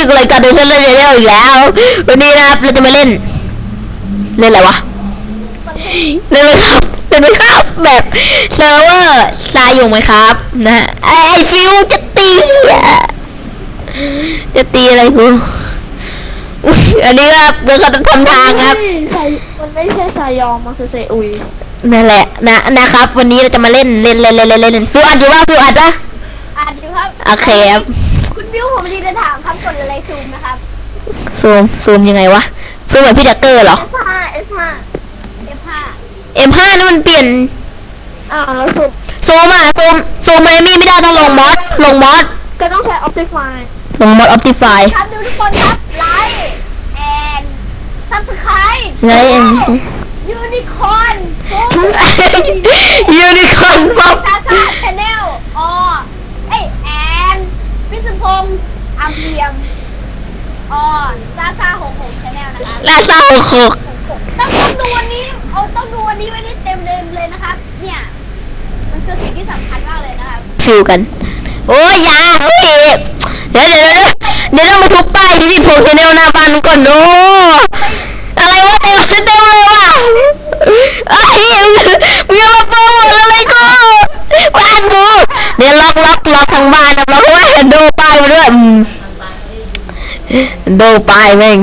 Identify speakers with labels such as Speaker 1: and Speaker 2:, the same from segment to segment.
Speaker 1: ถึงรายการดูฉันเล่นเร็วอีกแล้ววันนี้นะครับเราจะมาเล่นอะไรวะเล่นไหมครับแบบเซิร์ฟเวอร์ทรายอยู่ไหมครับนะฮะไอฟิวจะตีอะไรกูอันนี้ครับเราก็ทำทางครับ
Speaker 2: มันไม่ใช่สายยองมันคือเซอุย
Speaker 1: นั่นแหละนะครับวันนี้เราจะมาเล่นฟิวอัดอยู่ว่าฟิวอัดปะ
Speaker 3: อัดอยู่ครับ
Speaker 1: โอเคครับ
Speaker 3: คุณบิวผมดีจะถามครับกดอะไรซูมนะครับ
Speaker 1: ซูมยังไงวะซูมแบบพี่ดักเกอร์เหรอ
Speaker 3: F5
Speaker 1: M5 นี่มันเปลี่ยน
Speaker 2: แล้ว
Speaker 1: ซูมมันไม่ได้ต้องลงมอส
Speaker 2: ก็ต้องใช้ Optify
Speaker 1: ลงมอส Optify
Speaker 3: ครับดูทุกคนครับไลค์แอนซับสไครต์
Speaker 1: ไง
Speaker 3: ยูนิคอร์น
Speaker 1: ป๊อป
Speaker 3: ซาชาแนลแอนพิสุพงษ์อัมเพียมซา66ชาแนลนะครับ
Speaker 1: และซา66
Speaker 3: ต้องดูวันนี้ต้องดูวันนี้ไว้นี่เต็มเลยนะครับเนี่ยมันคือสิ่งที่สำคัญมากเลยนะครับ
Speaker 1: ฟิวกันโอ้ยอย่าโอเคเดี๋ยวเรามาทุบป้ายที่ผมชาแนลหน้าบ้านก่อนโน้อะไรวะเต็มเลยว่ะไอ้มึงอย่ามาโปรโมทอะไรกูบ้านกูเดี๋ยวล็อกทางบ้านนะล็อกไว้โดป้ายมาด้วยโดป้ายแม่ง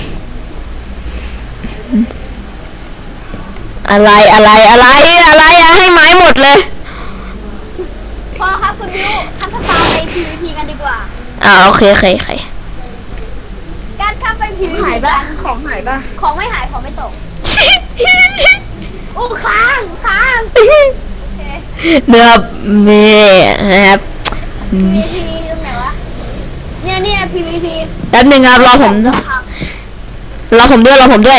Speaker 1: อะไรอะให้ไม้หมดเลย
Speaker 3: พอครับคุณบิวทำสตาร์ไป PVP กันดีกว่า
Speaker 1: โอเค
Speaker 3: การข้ามไป PVP
Speaker 2: หายบ้างของหายบ้าง
Speaker 3: ของไม่หายของไม่ตกค้าง
Speaker 1: นะครับนี่นะครับ
Speaker 3: PVP ตรงไหนวะเนี่ย PVP
Speaker 1: แป๊บนึงครับรอผมด้วย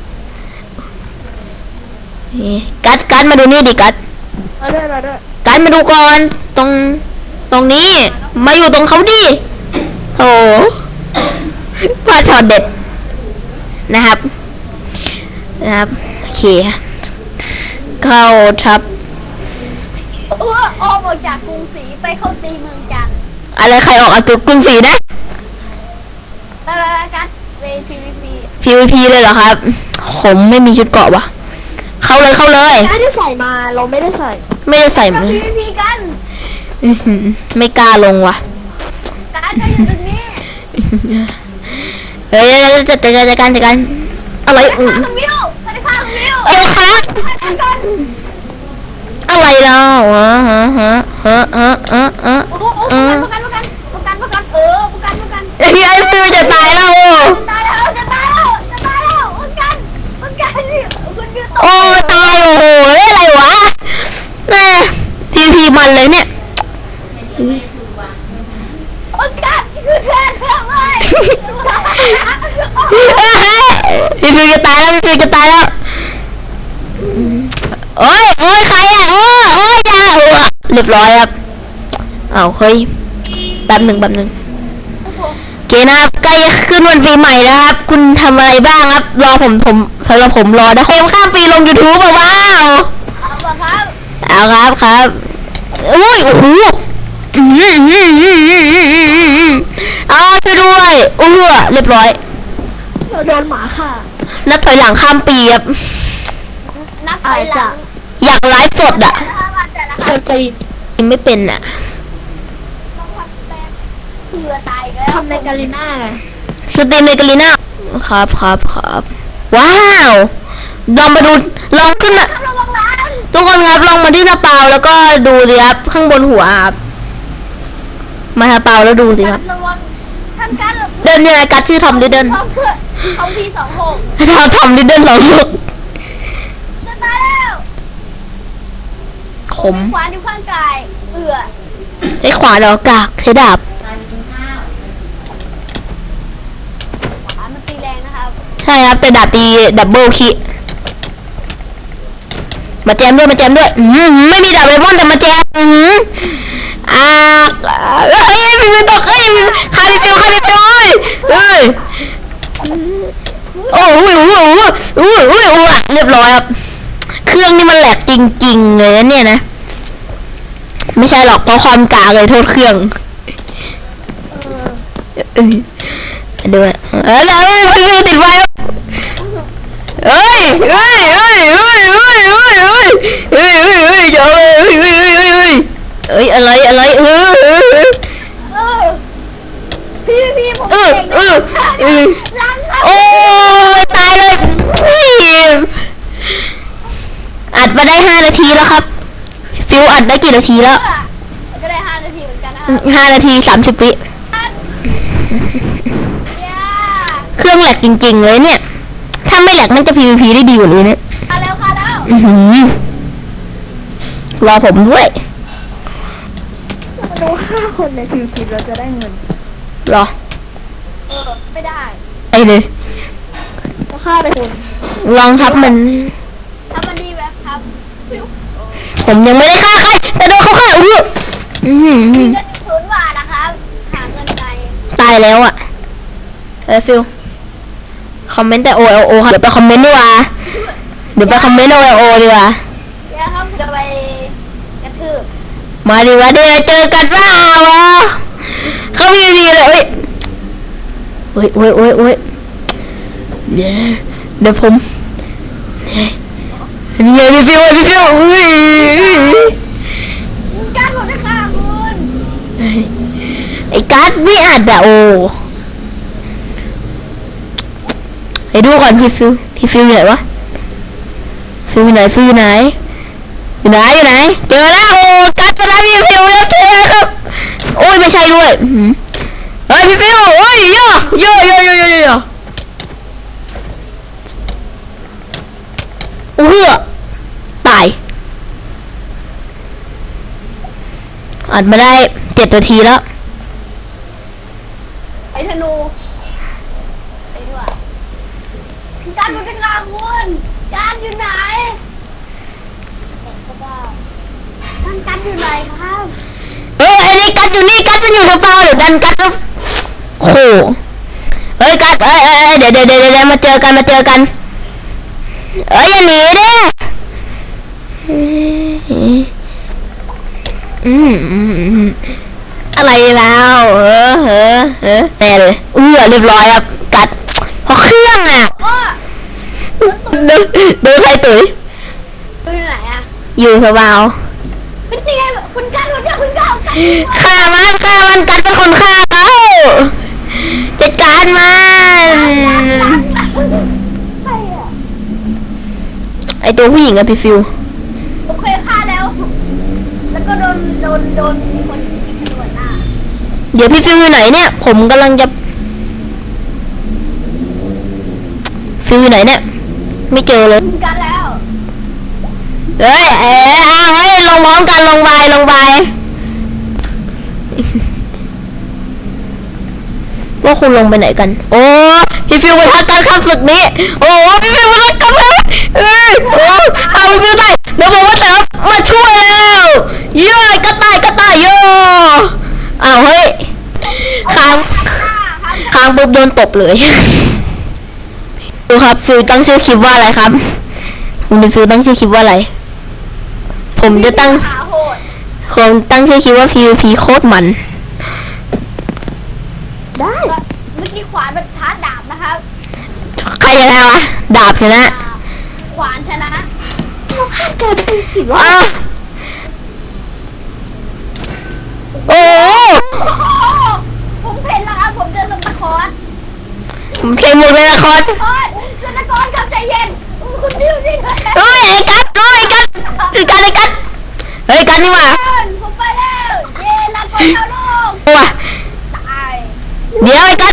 Speaker 1: กัดมาดูนี่ดิกัดมาดูก่อนตรงนี้มาอยู่ตรงเขาดิโอ้พลาดช็อตเด็ดนะครับโอเคเข้าทับ
Speaker 3: ออกจากกรุงศรีไปเข้าตีเมืองจันทร์
Speaker 1: อะไรใครออกจากกรุงศรีนะ
Speaker 3: ไปกัดไป
Speaker 1: PVP เลยเหรอครับผมไม่มีชุดเกราะวะเข้าเลย
Speaker 2: ไม่ได้ใส่มาเราไม่ได้ใส่
Speaker 3: มา PVP กัน
Speaker 1: ไม่กล้าลงว่ะ
Speaker 3: การจะอยู่ตรงนี้
Speaker 1: จัดการอะไร
Speaker 3: สวัสดีค่ะคุณมิว
Speaker 1: อะไรเรา
Speaker 3: ประกัน
Speaker 1: ไอ้ฟิวจะตายแล้ว
Speaker 3: จะตายแล้วประกันคุณมิว
Speaker 1: โอ้ตายโอ้โหอะไรวะแม่PVPมันเลยเนี่ย
Speaker 3: ประกันคือแทนเลย
Speaker 1: พี่ฟิวจะตายแล้วโอ้ยใครอ่ะอย่าเรียบร้อยครับเฮ้ยแป๊บหนึ่งโอเคนะครับใกล้จะขึ้นวันปีใหม่แล้วครับคุณทำอะไรบ้างครับรอผมสำหรับผมรอนะคนข้ามปีลง YouTube ว้าวครับอุ้ยโอ้โหช่วยด้วยเรียบร้อย
Speaker 2: โดนหมาค่ะ
Speaker 1: นับถอยหลังข้ามปีครับ
Speaker 3: นับถอยหลัง
Speaker 1: อยากไลฟ์สดอ่ะ
Speaker 2: สตี
Speaker 1: ไม่เป็นอ่ะ
Speaker 2: ทำในกาลิน่าไง
Speaker 1: สตรีมในกาลิน่าครับว้าวลองขึ้นมาทุกคนครับลองมาที่สปาวแล้วก็ดูสิครับข้างบนหัวครับมาสปาวแล้วดูสิครับเดินยังไงกัดชื่อทอมดิเดิน
Speaker 3: ทอมพี่26
Speaker 1: ทอมดิเดิน
Speaker 3: จะตายแล้ว
Speaker 1: ขม
Speaker 3: ขวานที่ข้างกาย
Speaker 1: ใช้ขวานเหรอกากใช้ดาบ
Speaker 3: มันตีแรงนะครับ
Speaker 1: ใช่ครับแต่ดาบตีดับเบิลคิมาแจมด้วยไม่มีดาบเลมอนแต่มาแจมพี่ไม่ตกคาริฟิวโอ้ยเรียบร้อยครับเครื่องนี่มันแหลกจริงๆเลยนะเนี่ยนะไม่ใช่หรอกเพราะความกากเลยโทษเครื่องด้วยฟิวติดไฟเฮ้ยเฮ้ยเฮ้ยเฮ้ยเฮ้ยเฮ้ยเฮ้ยเฮ้ยเฮ้ยเฮ้ยเดี๋ยวเฮ้ยเฮ้ยเฮ้ยเฮ้ยเฮ้ยอะไร
Speaker 3: เออพี่ผมเก่งนะล้างครับ
Speaker 1: โอ้ตายเลยอัดมาได้5 นาทีแล้วครับฟิวอัดได้กี่นาทีแล้ว
Speaker 3: ก็ได้5 นาทีเหมือนกันนะ
Speaker 1: 5 นาที 30 วิเครื่องแหลกจริงๆเลยเนี่ยถ้าไม่แหลกมันจะ PVP ได้ดีกว่านี้นะ
Speaker 3: ค่ะแล้วค่ะแล้ว
Speaker 1: รอผมด้วย
Speaker 2: มาดู5 คนในทีมเราจะได้เงิน
Speaker 1: รอ
Speaker 3: ไม่ได้
Speaker 1: ไอ้เลย
Speaker 2: ก็ฆ่าไปคน
Speaker 1: ลองทับมัน
Speaker 3: ทำมันดีแบบครับ
Speaker 1: ผมยังไม่ได้ฆ่าใครแต่โดนเขาฆ่า
Speaker 3: มีเงิน0 บาทนะครับหาเงินไกล
Speaker 1: ตายแล้วอ่ะฟิวคอมเมนต์แต่ OLO ค่ะเดี๋ยวไปคอมเมนต์ดีกว่าเดี๋ยวไปคอมเมนต์ OLO ดีกว่า
Speaker 3: เดี๋ยวครับจะไปกระทืบ
Speaker 1: มาดีว่าเดี๋ยวเจอกันเปล่าวะเขามีดีเลยโอ้ยเดี๋ยวผมนี่ไงพี่ฟิวอุ้ย
Speaker 3: การผมจะฆ่าคุณ
Speaker 1: ไอ้การ์ดไม่อัดอะโอให้ดูก่อนพี่ฟิวอยู่ไหนวะฟิวอยู่ไหนเจอแล้วโอ้การ์ดชนะพี่ฟิวแล้วเจอครับโอ้ยไม่ใช่ด้วยเฮ้ยพี่ฟิวโอ้ยโยตายอัดมาได้7 นาทีแล้ว
Speaker 3: ไอ้ธนูไอ้ด้วยการผมจะฆ่าคุณการอยู่ไหนกันอยู่ไหนครับ
Speaker 1: เฮ้ยอันนี้กัดอยู่นี่กัดมันอยู่กับเปล่าเดี๋ยวดันกัดแล้วโอ้โหเฮ้ยกัดเดี๋ยวมาเจอกันอย่าหนีดิอะไรแล้วแน่เลยเรียบร้อยครับกัดเพราะเครื่องอ่ะ
Speaker 3: โอ้
Speaker 1: โดนใครตุ๋ย
Speaker 3: อยู่ไหนอะ
Speaker 1: อยู่สบาย
Speaker 3: เป็นยังไงคุณการคุณการ
Speaker 1: ฆ่ามันกัดเป็นคนฆ่าเขาจัดการมัน
Speaker 3: ใครอะ
Speaker 1: ไอตัวผู้หญิงอะพี่ฟิว
Speaker 3: ผมเคยฆ่าแล้ว แล้วก็โดนมีคนยิงกระโดดหน้า
Speaker 1: เดี๋ยวพี่ฟิวอยู่ไหนเนี่ยผมกำลังจะฟิวอยู่ไหนเนี่ยไม่เจอเลย
Speaker 3: คุณการแล้ว
Speaker 1: เฮ้ยลงพร้อมกันลงไปว่าคุณลงไปไหนกันโอ้พี่ฟิวมาทักกันข้ามศึกนี้โอ้พี่ฟิวมาทักกันเลยเอาพี่ฟิวได้เดี๋ยวผมว่าแต่มาช่วยแล้วเย้กระต่ายเย้เฮ้ยค้างปุ๊บโดนตบเลยดูครับฟิวตั้งชื่อคลิปว่าอะไรครับคุณฟิวตั้งชื่อคลิปว่าอะไรผมจะตั้งชื่อคลิปว่า PVP โคตรมัน
Speaker 2: ได้
Speaker 3: เมื่อกี้ขวานมันท้าดาบนะครับ
Speaker 1: ใครชนะวะดาบชนะ
Speaker 3: ขวานชนะ
Speaker 2: แกเป็นสิวะ
Speaker 1: โอ้
Speaker 3: ผมเห็นแล้วครับผมเจอสตาร์คอร์ส
Speaker 1: ผมใส่หมวกเลยนะคอน
Speaker 3: โอ้ยสตาร์คอร์สครับใจเย็นคุณดิวจริงเลย
Speaker 1: ไอ้กัดเฮ้ยกัดนี่หว่า
Speaker 3: ผมไปแล้วเย้ลาก่อนชาวโลก
Speaker 1: ว่ะ
Speaker 3: ตาย
Speaker 1: เดี๋ยวไอ้กัด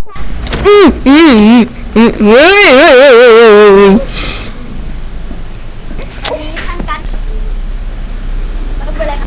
Speaker 3: มีทั้งกันมันเป็นอะไรครับ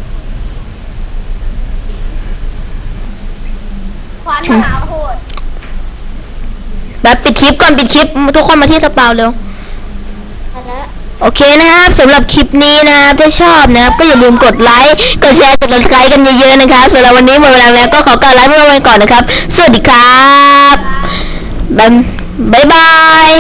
Speaker 3: ขวานมหาโหด
Speaker 1: แบบปิดคลิปก่อนปิดคลิปทุกคนมาที่สปาวเร็ว
Speaker 3: อันนั้น
Speaker 1: โอเคนะครับสำหรับคลิปนี้นะครับถ้าชอบนะครับก็อย่าลืมกดไลค์กดแชร์กด subscribe กันเยอะๆนะครับสำหรับวันนี้หมดเวลาแล้วก็ขอกล่าวลาไปก่อนนะครับสวัสดีครับบ๊ายบาย